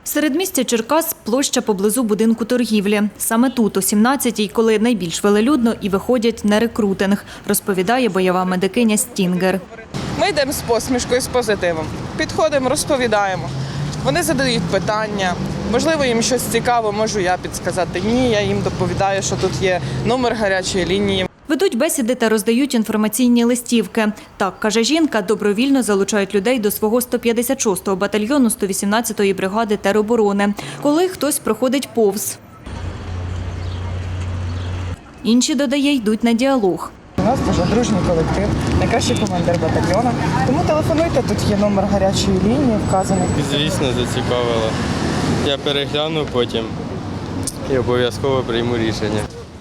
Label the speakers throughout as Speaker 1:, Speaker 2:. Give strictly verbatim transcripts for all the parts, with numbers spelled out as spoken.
Speaker 1: Середмістя Черкас – площа поблизу будинку торгівлі. Саме тут, о сімнадцятій, коли найбільш велелюдно і виходять на рекрутинг, розповідає бойова медикиня Стінгер.
Speaker 2: Ми йдемо з посмішкою, з позитивом. Підходимо, розповідаємо. Вони задають питання. Можливо, їм щось цікаво, можу я підсказати. Ні, я їм доповідаю, що тут є номер гарячої лінії.
Speaker 1: Ведуть бесіди та роздають інформаційні листівки. Так, каже жінка, добровільно залучають людей до свого сто п'ятдесят шостого батальйону сто вісімнадцятої бригади тероборони, коли хтось проходить повз. Інші, додає, йдуть на діалог.
Speaker 2: У нас дуже дружній колектив, найкращий командир батальйону. Тому телефонуйте, тут є номер гарячої лінії вказаний.
Speaker 3: Звісно, зацікавило. Я перегляну потім і обов'язково прийму рішення.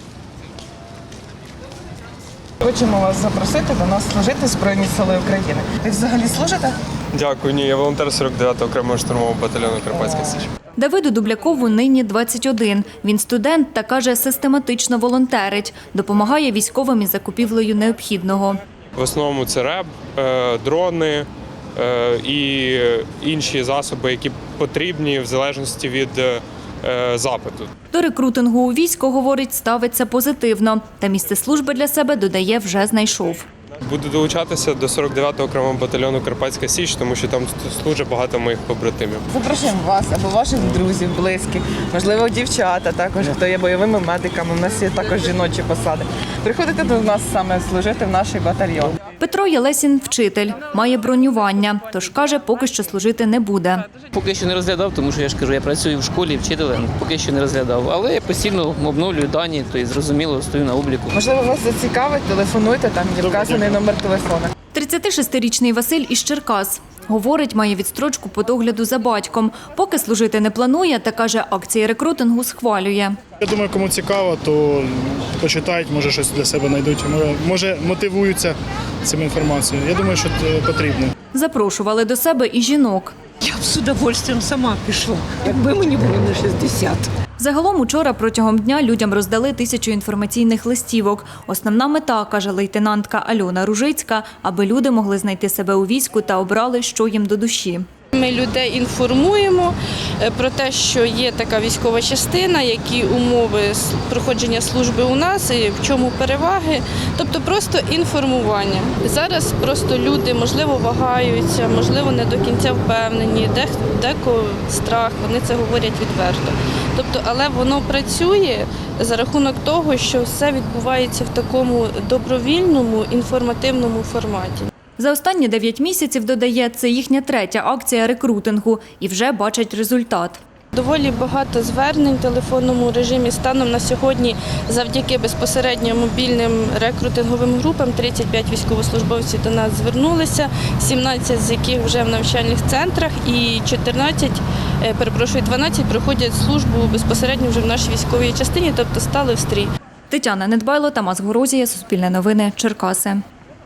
Speaker 2: Хочемо вас запросити до нас служити в Збройні Сили України. Ви взагалі служите?
Speaker 3: Дякую, ні, я волонтер сорок дев'ятого окремого штурмового батальйону Карпатська Січ.
Speaker 1: Давиду Дублякову нині двадцять один. Він студент та, каже, систематично волонтерить. Допомагає військовим із закупівлею необхідного.
Speaker 3: В основному це реб, е, дрони е, і інші засоби, які потрібні в залежності від е, запиту.
Speaker 1: До рекрутингу у військо, говорить, ставиться позитивно. Та місце служби для себе, додає, вже знайшов.
Speaker 3: Буду долучатися до сорок дев'ятого окремого батальйону Карпатська Січ, тому що там служать багато моїх побратимів.
Speaker 2: Запрошуємо вас або ваших друзів, близьких, можливо, дівчата також, хто є бойовими медиками. У нас є також жіночі посади. Приходите до нас саме служити в наш батальйон.
Speaker 1: Петро Єлесін – вчитель, має бронювання, тож, каже, поки що служити не буде.
Speaker 4: Поки що не розглядав, тому що я ж кажу, я працюю в школі вчителем, поки що не розглядав. Але я постійно обновлюю дані, то і зрозуміло, стою на обліку.
Speaker 2: Можливо, вас зацікавить, телефонуйте, там є вказаний номер телефону.
Speaker 1: тридцятишестирічний Василь із Черкас. Говорить, має відстрочку по догляду за батьком. Поки служити не планує, та, каже, акції рекрутингу схвалює.
Speaker 5: Я думаю, кому цікаво, то почитають, може щось для себе знайдуть, може мотивуються цим інформацією. Я думаю, що це потрібно.
Speaker 1: Запрошували до себе і жінок.
Speaker 6: Я б з удовольствием сама пішла, якби мені було на шістдесят.
Speaker 1: Загалом учора протягом дня людям роздали тисячу інформаційних листівок. Основна мета, каже лейтенантка Альона Ружицька, аби люди могли знайти себе у війську та обрали, що їм до душі.
Speaker 7: Ми людей інформуємо про те, що є така військова частина, які умови проходження служби у нас і в чому переваги. Тобто просто інформування. Зараз просто люди, можливо, вагаються, можливо, не до кінця впевнені, декого страх, вони це говорять відверто. Тобто, але воно працює за рахунок того, що все відбувається в такому добровільному, інформативному форматі.
Speaker 1: За останні дев'ять місяців, додає, це їхня третя акція рекрутингу і вже бачать результат.
Speaker 7: Доволі багато звернень в телефонному режимі. Станом на сьогодні завдяки безпосередньо мобільним рекрутинговим групам тридцять п'ять військовослужбовців до нас звернулися, сімнадцять з яких вже в навчальних центрах і чотирнадцять, перепрошую, дванадцять проходять службу безпосередньо вже в нашій військовій частині, тобто стали в стрій.
Speaker 1: Тетяна Недбайло, Тамас Горозія, Суспільне новини, Черкаси.